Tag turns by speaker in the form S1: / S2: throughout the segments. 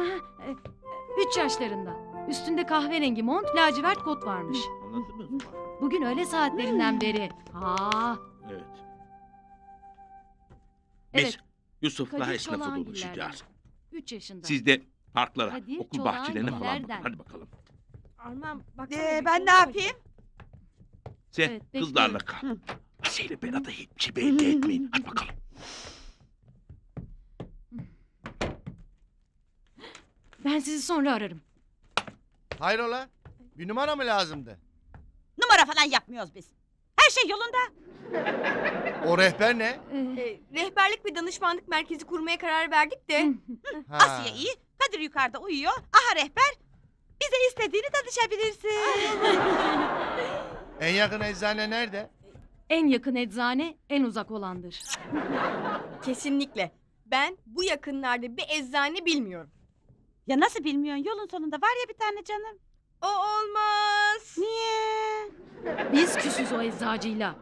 S1: 3 yaşlarında. Üstünde kahverengi mont, lacivert kot varmış.
S2: Anladınız mı?
S1: Bugün öğle saatlerinden beri.
S2: Evet.
S1: Evet.
S2: Biz Yusuf'la
S1: Kadir
S2: esnafı
S1: Çolakgiller'den.
S2: buluşacağız.
S1: 3 yaşında.
S2: Siz de parklara,
S1: Kadir
S2: okul bahçelerine falan bakın.
S1: Çolakgiller'den.
S2: Hadi bakalım.
S3: Armağan baksana.
S4: Ben ne yapayım?
S2: Sen
S1: Evet,
S2: kızlarla
S1: bekliyorum.
S2: kal. Asiye ile Berat'a hiçbir şey belli etmeyin. Hadi bakalım.
S1: Ben sizi sonra ararım.
S5: Hayrola? Bir numara mı lazımdı?
S4: Numara falan yapmıyoruz biz. Her şey yolunda.
S5: O rehber ne?
S3: Rehberlik ve danışmanlık merkezi kurmaya karar verdik de.
S5: Ha.
S4: Asiye iyi. Kadir yukarıda uyuyor. Aha rehber. Bize istediğini danışabilirsin.
S5: En yakın eczane nerede?
S1: En yakın eczane en uzak olandır.
S3: Kesinlikle. Ben bu yakınlarda bir eczane bilmiyorum.
S4: Ya nasıl bilmiyorsun? Yolun sonunda var ya bir tane canım.
S3: O olmaz.
S4: Niye?
S1: Biz küsüz o eczacıyla.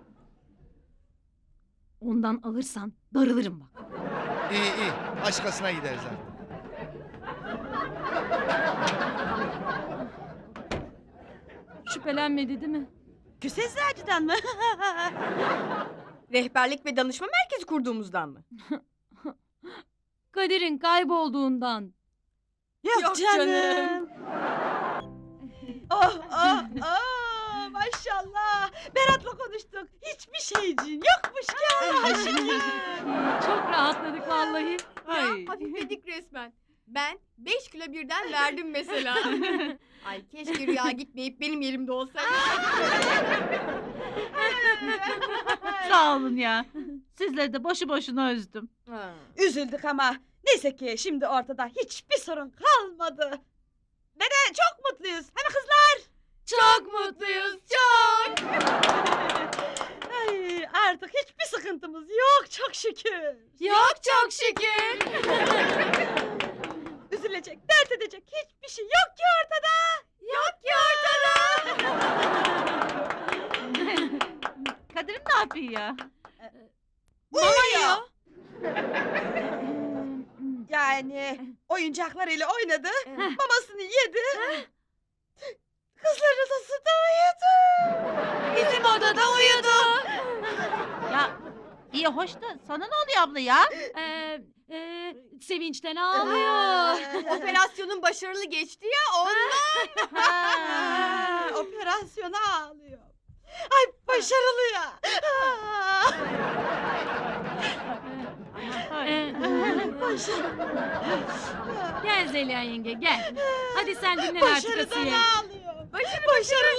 S1: Ondan alırsan darılırım bak.
S5: İyi iyi. Başkasına gideriz artık.
S1: Şüphelenmedi değil mi?
S4: Küs eczacıdan mı?
S3: Rehberlik ve danışma merkezi kurduğumuzdan mı?
S1: Kadir'in kaybolduğundan.
S3: Yok canım.
S4: Oh oh oh maşallah. Berat'la konuştuk. Hiçbir şeyciğin yokmuş ki Allah'a şükür.
S1: Çok rahatladık vallahi.
S4: Ay.
S3: Ya hafifledik resmen. Ben 5 kilo birden verdim mesela. Ay keşke Rüya gitmeyip benim yerimde olsaydı.
S6: Sağ olun ya. Sizleri de boşu boşuna üzdüm.
S3: Ha.
S4: Üzüldük ama neyse ki şimdi ortada hiçbir sorun kalmadı. Ve de çok mutluyuz. Hani kızlar?
S3: Çok mutluyuz, çok.
S4: Ay, artık hiçbir sıkıntımız yok çok şükür.
S3: Yok çok şükür.
S4: Üzülecek, dert edecek hiçbir şey yok ki ortada.
S3: Yok ki ortada.
S6: Kadir'im ne yapıyor ya?
S4: Uyuyor. Yani oyuncaklarıyla oynadı, mamasını yedi. Kızların odasında uyudu.
S3: Bizim odada uyudu.
S6: Ya iyi hoş da sana ne oluyor abla ya?
S1: Sevinçten ağlıyor.
S3: Operasyonun başarılı geçti ya ondan.
S4: Ha, operasyona ağlıyor. Ay başarılı ya.
S1: Gel Zeliha yenge gel. Hadi sen dinlen artık
S4: Başarıdan
S1: Asiye.
S4: ağlıyor. Başarılı